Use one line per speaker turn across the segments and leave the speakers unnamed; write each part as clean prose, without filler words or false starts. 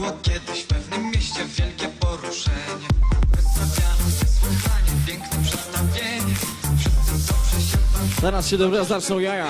było kiedyś w pewnym mieście wielkie poruszenie. Wystawiano niesłychanie piękne przedstawienie. Wszyscy dobrze się bawili.
Zaraz się dobra zaczną jaja.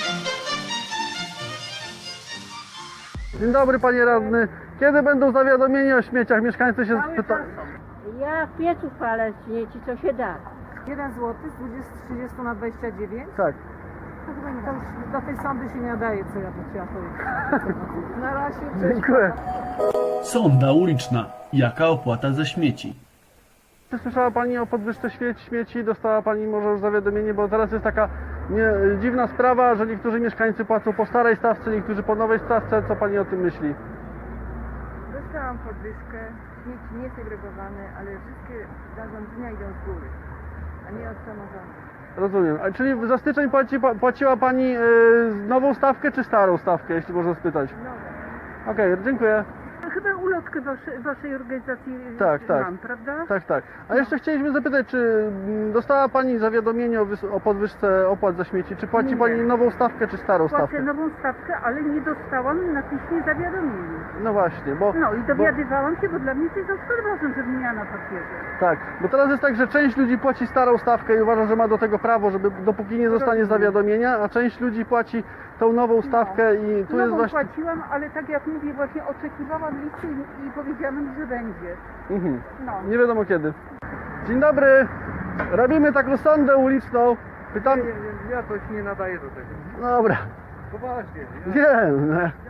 Dzień dobry, panie radny. Kiedy będą zawiadomienia o śmieciach? Mieszkańcy się pytają.
Ja w piecu palę śmieci, co się da.
1 zł z 30 na 29?
Tak.
To chyba nie, to już do tej sądy się nie nadaje, co ja tu chciałam powiedzieć. Na razie, cześć.
Dziękuję.
Sonda uliczna. Jaka opłata za śmieci?
Czy słyszała pani o podwyżce śmieci? Dostała pani może już zawiadomienie, bo teraz jest taka dziwna sprawa, że niektórzy mieszkańcy płacą po starej stawce, niektórzy po nowej stawce. Co pani o tym myśli?
Dostałam podwyżkę, śmieci niesegregowane, ale wszystkie zarządzenia idą z góry, a nie od samorządu.
Rozumiem. A czyli za styczeń płaciła pani nową stawkę czy starą stawkę, jeśli można spytać? Okej, dziękuję.
Chyba ulotkę waszej organizacji
Tak.
mam, prawda?
Tak. A jeszcze chcieliśmy zapytać, czy dostała pani zawiadomienie o podwyżce opłat za śmieci? Czy płaci
Nie.
pani nową stawkę czy starą
Płacę
stawkę?
nową stawkę, ale nie dostałam na piśmie zawiadomienia.
No właśnie, bo...
No i dowiadywałam się, bo dla mnie to jest ważne, żeby miała na papierze.
Tak, bo teraz jest tak, że część ludzi płaci starą stawkę i uważa, że ma do tego prawo, żeby dopóki nie dostanie zawiadomienia, a część ludzi płaci tą nową stawkę i tu jest
Nową
właśnie...
płaciłam, ale tak jak mówię, właśnie oczekiwałam listy i powiedziałam, że będzie. No.
Nie wiadomo kiedy. Dzień dobry, robimy taką sondę uliczną. Pytam...
Ja to się nie nadaję do tego.
Dobra.
Poważnie, nie?
Wiem.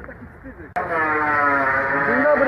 Dzień dobry.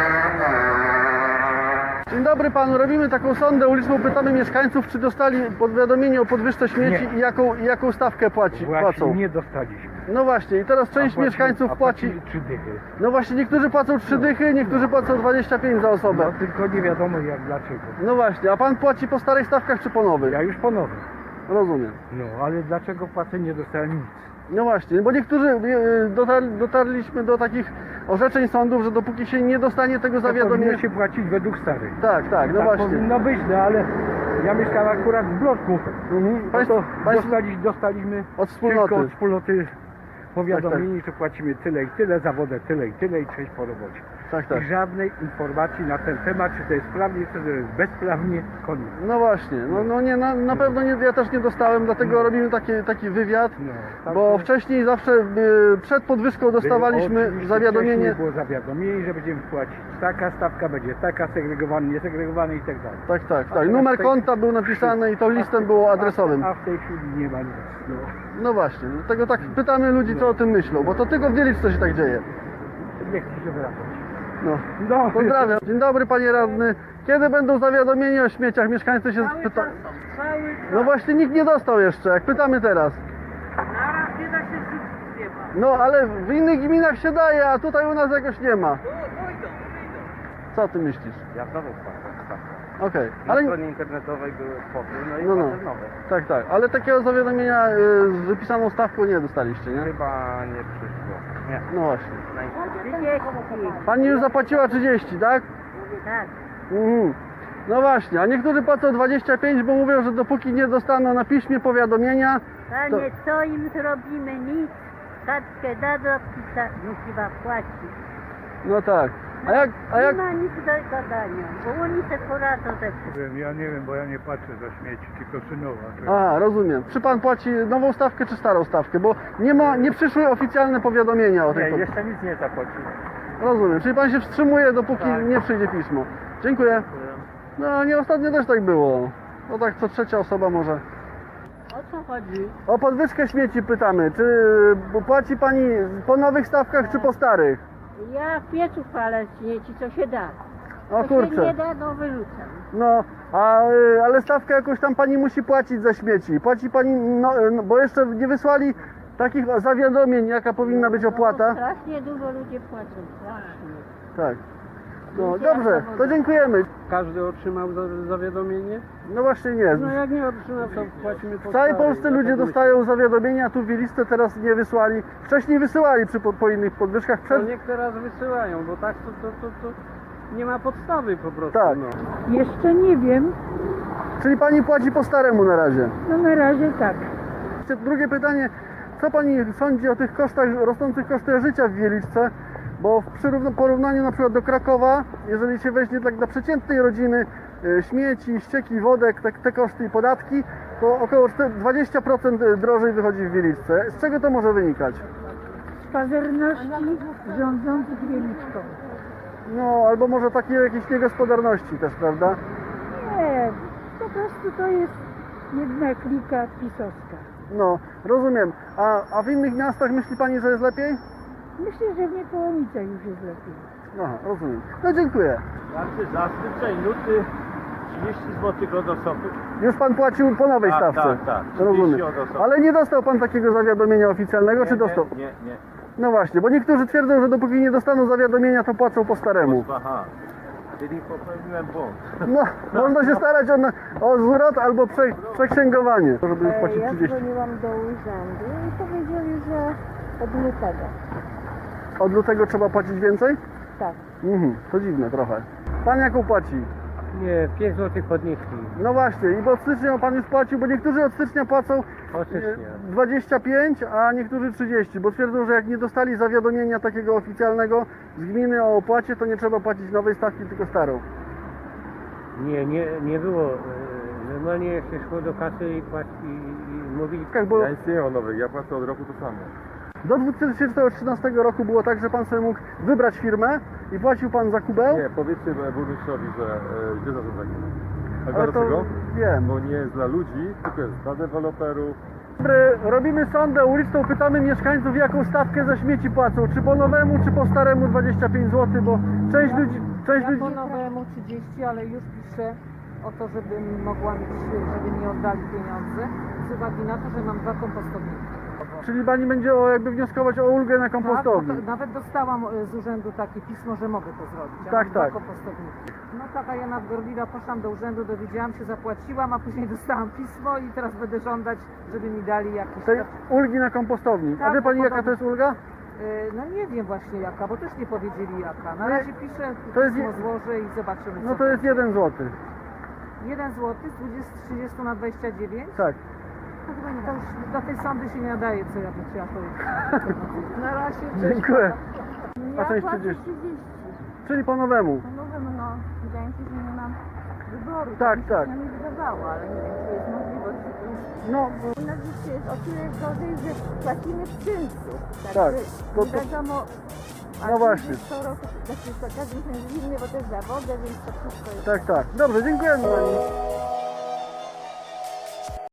Dzień dobry panu, robimy taką sondę uliczną, pytamy mieszkańców, czy dostali powiadomienie o podwyżce śmieci i jaką stawkę płacą.
Właśnie nie dostaliśmy.
No właśnie, i teraz część mieszkańców płaci.
3 dychy.
No właśnie, niektórzy płacą 3 dychy, niektórzy płacą 25 za osobę.
No tylko nie wiadomo jak, dlaczego.
No właśnie, a pan płaci po starych stawkach czy po nowych?
Ja już ponownie.
Rozumiem.
No, ale dlaczego płacę nie dostałem nic?
No właśnie, bo niektórzy dotarliśmy do takich orzeczeń sądów, że dopóki się nie dostanie tego zawiadomienia...
Powinno się płacić według starych.
Tak, no
Tak
właśnie.
powinno być, no ale ja mieszkam akurat w bloku.
Mhm.
No to
Państwo
dostaliśmy
od wspólnoty.
tylko od wspólnoty powiadomienie, że płacimy tyle i tyle, za wodę tyle i tyle i cześć po robocie.
Tak.
I żadnej informacji na ten temat, czy to jest sprawnie, czy to jest bezprawnie, koniec.
No właśnie, no nie, na pewno nie, ja też nie dostałem, dlatego robimy taki wywiad,
No, tak
bo
to-
wcześniej zawsze przed podwyżką dostawaliśmy
Oczywiście
zawiadomienie.
wcześniej było zawiadomienie, że będziemy płacić taka stawka, będzie taka, segregowany, niesegregowany i tak dalej.
Tak. Numer konta był napisany i to listem było adresowym.
A w tej chwili nie ma nic. No.
No właśnie, dlatego tak pytamy ludzi, co o tym myślą, bo to tylko w Wieliczce się tak dzieje.
Nie chcę się wracać.
No, pozdrawiam. Dzień dobry panie radny. Kiedy będą zawiadomienia o śmieciach? Mieszkańcy się pytają. No właśnie nikt nie dostał jeszcze, jak pytamy teraz.
Naraz nie da się żyć, nie ma.
No ale w innych gminach się daje, a tutaj u nas jakoś nie ma. Co ty myślisz?
Ja znowu płacę.
Okej,
Na
ale...
stronie internetowej były spokój, no i
No.
płacę nowe.
Tak, ale takiego zawiadomienia z wypisaną stawką nie dostaliście, nie?
Chyba nie przyszło. Nie.
No właśnie.
30.
Pani już zapłaciła 30, tak?
Tak.
No właśnie, a niektórzy płacą 25, bo mówią, że dopóki nie dostaną na piśmie powiadomienia,
Panie, co im zrobimy? Nic. Kartkę dadzą, musi płacić.
no tak. A jak...
Nie ma nic do gadania, bo oni se poradzą ze wszystkim.
Ja nie wiem, bo ja nie patrzę za śmieci, tylko synowa.
A, rozumiem. Czy pan płaci nową stawkę czy starą stawkę? Bo nie przyszły oficjalne powiadomienia o tej...
jeszcze nic nie zapłaciłem.
Rozumiem, czyli pan się wstrzymuje, dopóki nie przyjdzie pismo. Dziękuję. No, nie, ostatnio też tak było. No tak, co trzecia osoba może.
O co chodzi?
O podwyżkę śmieci pytamy. Czy płaci pani po nowych stawkach, czy po starych?
Ja w piecu palę śmieci, co się da.
O
Co się nie
kurczę.
da, no wyrzucam.
No, ale stawkę jakąś tam pani musi płacić za śmieci. Płaci pani, bo jeszcze nie wysłali takich zawiadomień, jaka powinna być opłata.
Strasznie dużo ludzi płacą, strasznie.
Tak. No dobrze, to dziękujemy.
Każdy otrzymał zawiadomienie?
No właśnie nie.
No jak nie otrzymał, to płacimy po
W całej
starej.
Polsce ludzie dostają zawiadomienia, tu w Wieliczce teraz nie wysłali. Wcześniej wysyłali po innych podwyżkach.
To niech teraz wysyłają, bo tak to nie ma podstawy po prostu.
Tak.
No.
Jeszcze nie wiem,
Czyli pani płaci po staremu na razie.
no na razie tak.
Drugie pytanie, co pani sądzi o tych kosztach, rosnących kosztach życia w Wieliczce? Bo w porównaniu na przykład do Krakowa, jeżeli się weźmie tak dla przeciętnej rodziny śmieci, ścieki, wodę, te koszty i podatki, to około 20% drożej wychodzi w Wieliczce. Z czego to może wynikać?
Z pazerności rządzących Wieliczką.
No, albo może takiej jakiejś niegospodarności też, prawda?
Nie, po prostu to jest jedna klika pisowska.
No, rozumiem. A w innych miastach myśli Pani, że jest lepiej?
Myślę, że w Niepołomicach już jest lepiej.
Aha, rozumiem. No dziękuję.
Znaczy za styczeń, luty 30 zł od osoby.
Już Pan płacił po nowej
Tak,
stawce?
tak.
Rozumiem.
30 od osoby.
Ale nie dostał Pan takiego zawiadomienia oficjalnego, czy dostał?
Nie.
No właśnie, bo niektórzy twierdzą, że dopóki nie dostaną zawiadomienia, to płacą po staremu.
Aha, czyli popełniłem błąd.
No, można się starać o zwrot albo przeksięgowanie, żeby już płacić
Ja
30.
dzwoniłam do urzędu i powiedzieli, że od lutego.
Od lutego trzeba płacić więcej?
Tak.
To dziwne trochę. Pan jaką płaci?
Nie, 5 zł podnieśli.
No właśnie, i bo od stycznia Pan już płacił, bo niektórzy od stycznia płacą
Od stycznia.
25, a niektórzy 30, bo twierdzą, że jak nie dostali zawiadomienia takiego oficjalnego z gminy o opłacie, to nie trzeba płacić nowej stawki, tylko starą.
Nie było. Normalnie się szło do kasy i mówili...
Bo
Ja nic nie mam nowych, ja płacę od roku to samo.
do 2013 roku było tak, że Pan sobie mógł wybrać firmę i płacił Pan za kubeł.
Nie, powiedzcie burmistrzowi, że źle zarządzanie. A
Ale to
dlaczego?
wiem.
Bo nie jest dla ludzi, tylko jest dla deweloperów.
Dobry, robimy sondę uliczną, pytamy mieszkańców, jaką stawkę za śmieci płacą, czy po nowemu, czy po staremu 25 zł, bo część ludzi...
Ja po nowemu 30, ale już piszę o to, żebym mogła mieć, żeby mi oddali pieniądze z uwagi na to, że mam 2 kompostowniki.
Czyli Pani będzie jakby wnioskować o ulgę na
Tak, bo
kompostowni.
to, nawet dostałam z urzędu takie pismo, że mogę to zrobić. Ja
Tak,
mam
tak.
2 kompostowniki. No taka ja nadgorliwa, poszłam do urzędu, dowiedziałam się, zapłaciłam, a później dostałam pismo i teraz będę żądać, żeby mi dali jakieś...
Tej ulgi na kompostowni. A
Tak,
wie Pani,
bo
jaka to jest ulga?
No nie wiem właśnie jaka, bo też nie powiedzieli jaka. Na
Nie,
razie piszę,
to jest
pismo
je-
złożę i zobaczymy
No
co
to jest 1 zł.
1 zł z 30 na 29?
Tak.
To już do tej sądy się nie nadaje, co ja tu chciałam powiedzieć. Na razie.
Dziękuję. A
Ja
część
płacę
30.
30.
Czyli po nowemu.
No mówię, no, wydaje mi się, że nie mam wyboru.
Tak,
mi się
tak.
przynajmniej wydawało, ale nie wiem, czy jest możliwość.
No,
U nas życie jest o tyle gorzej, że płacimy w czyńcu.
Tak,
To
to-
wiadomo, a
no właśnie.
co roku, znaczy co każdy miesiąc inny, bo też za wodę, więc to wszystko jest...
tak, tak. Dobrze, dziękujemy Pani.